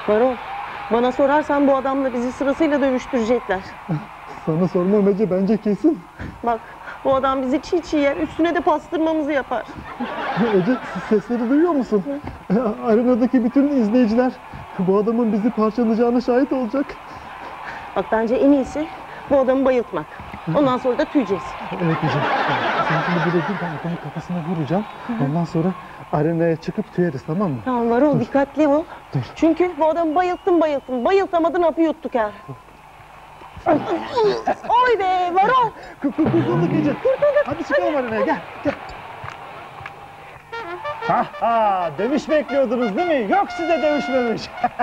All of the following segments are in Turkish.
Varol, bana sorarsan bu adamla bizi sırasıyla dövüştürecekler. Sana sormam Ece, bence kesin. Bak, bu adam bizi çiğ çiğ yer, üstüne de pastırmamızı yapar. Ece, sesleri duyuyor musun? Arenadaki bütün izleyiciler bu adamın bizi parçalayacağına şahit olacak. Bak bence en iyisi bu adamı bayıltmak. Ondan sonra da tüyeceğiz. Evet Ece. Sen şimdi buraya gir, ben adamın kafasına vuracağım. Ondan sonra arenaya çıkıp tüyeriz, tamam mı? Tamam Varol, dikkatli ol. Dur. Çünkü bu adamı bayılttın. Bayıltamadın, hapı yuttuk ha. Oy be Varol! Kurtulduk Ece. Hadi çıkalım arenaya, gel. Ha, dövüş bekliyordunuz değil mi? Yok, size dövüşmemiş.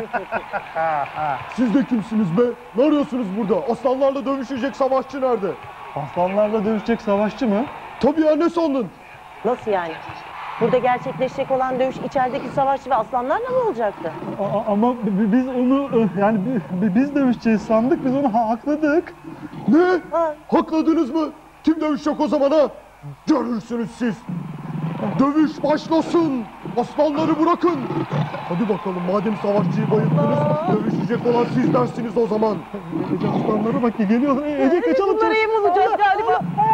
Siz de kimsiniz be? Ne arıyorsunuz burada? Aslanlarla dövüşecek savaşçı nerede? Aslanlarla dövüşecek savaşçı mı? Tabii ya, ne sandın? Nasıl yani? Burada gerçekleşecek olan dövüş içerideki savaşçı ve aslanlarla mı olacaktı? Ama biz onu, yani biz dövüşeceğiz sandık, biz onu hakladık. Ne? Ha. Hakladınız mı? Kim dövüşecek o zaman ha? Görürsünüz siz. Dövüş başlasın. Aslanları bırakın. Hadi bakalım, madem savaşçıyı bayıldınız, dövüşecek olan siz dersiniz o zaman. Ece, aslanlara bak, geliyor. Ece, kaçalım. Bunları iyi bulacağız galiba.